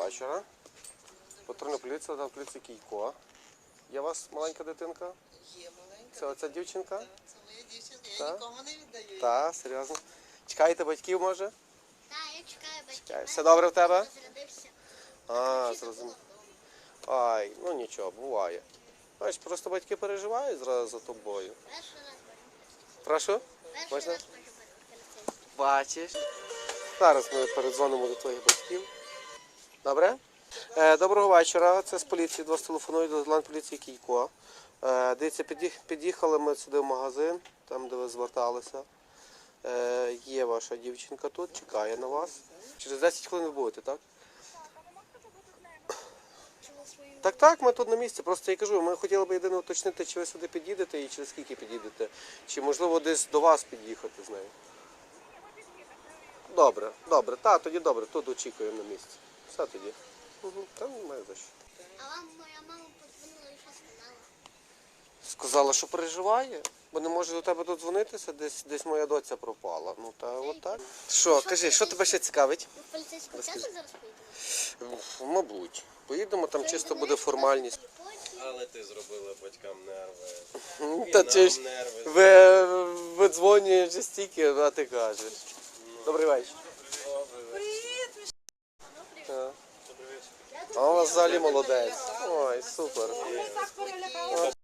вечора. Патрульна поліція, та поліція Кійко. Є у вас маленька дитинка? Є маленька. Це оця дівчинка? Так, це моя дівчинка, я Так. нікому не віддаю. Так, серйозно. Чекаєте батьків, може? Так, я чекаю батьків. Чекаю. Все добре в тебе? Розрядився. А, зрозумів. Ай, ну нічого, буває. Бачиш, просто батьки переживають зразу за тобою. Перший раз бачу. Прошу? Перший Можна? раз бачу поліцейських. Бачиш. Зараз ми передзвонимо до твоїх батьків. Добре? Доброго вечора. Це з поліції. До вас телефонують до Ландполіції Кійко. Дивіться, під'їхали ми сюди в магазин, там де ви зверталися. Є ваша дівчинка тут, чекає на вас. Через 10 хвилин ви будете, так? Так, ми тут на місці. Просто я кажу, ми хотіли б єдине уточнити, чи ви сюди під'їдете і через скільки під'їдете. Чи можливо десь до вас під'їхати з нею. Добре. Так, тоді добре, тут очікуємо на місці. Все тоді. Там немає за що. А вам моя мама подзвонила і що сказала? Сказала, що переживає, бо не може до тебе додзвонитися, десь моя доця пропала. Ну та от так. Що, кажи, що тебе ще цікавить? Ви в поліцейську часто зараз поїдете? Мабуть. Поїдемо, там чисто буде формальність. Але ти зробила батькам нерви. Та І чи ж нам нерви. видзвонюєш стільки, а ти кажеш. Добрий вечір. Привіт! А у вас взагалі молодець. Ой, супер. Ми так перелякалися.